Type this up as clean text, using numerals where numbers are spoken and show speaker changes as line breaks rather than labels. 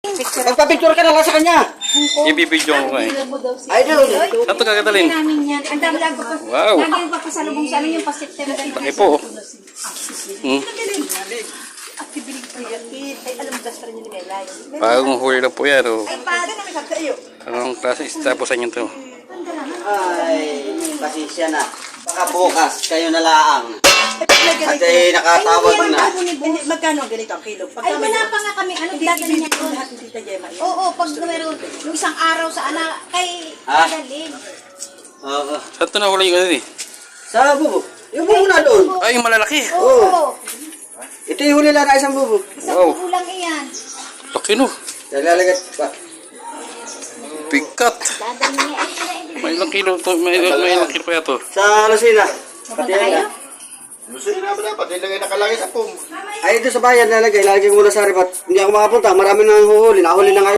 Magpa-picture ka na lang sa kanya.
Ibibidyo ko nga eh.
Idol.
Saan ito kagatalin?
Ang dami lang ko pa.
Wow.
Lagi yung papasalubong sa amin yung pa-September.
Laki po. Hmm. Bagong huli lang po yan. Oh. Anong klase istapusan nyo ito?
Ay, pasensya na. Baka bukas, kayo na laang. At ay nakatawag na.
Magkano ang ganito ang kilo?
Ay, wala pa nga kami. Ano dadalhin niya doon?
Lahat ng Tita Gemma.
Oo, pag meron yung isang araw sa anak, kay
Ah?
dadalhin.
Oo.
Saan ito nahuli yung ano eh?
Sa bubo. Yung bubo na doon.
Ay, yung malalaki.
Oo.
Ito yung huli lang na isang bubo.
Isang
Wow.
kulang iyan.
Laki no.
Nalalagat pa.
Pikat.
Dadalhin niya. Ay,
May ilang kilo to. May ilang kilo kaya to.
Sa Lucina. Pati
Pupunta kayo?
yan.
Lusoy na ba dapat? Ilagay nakalagay sa pum.
Ay, ito sa bayan nalagay. Lalagay ko muna sa ribat. Hindi ako makapunta. Marami nang huhuli. Nahuli na nga.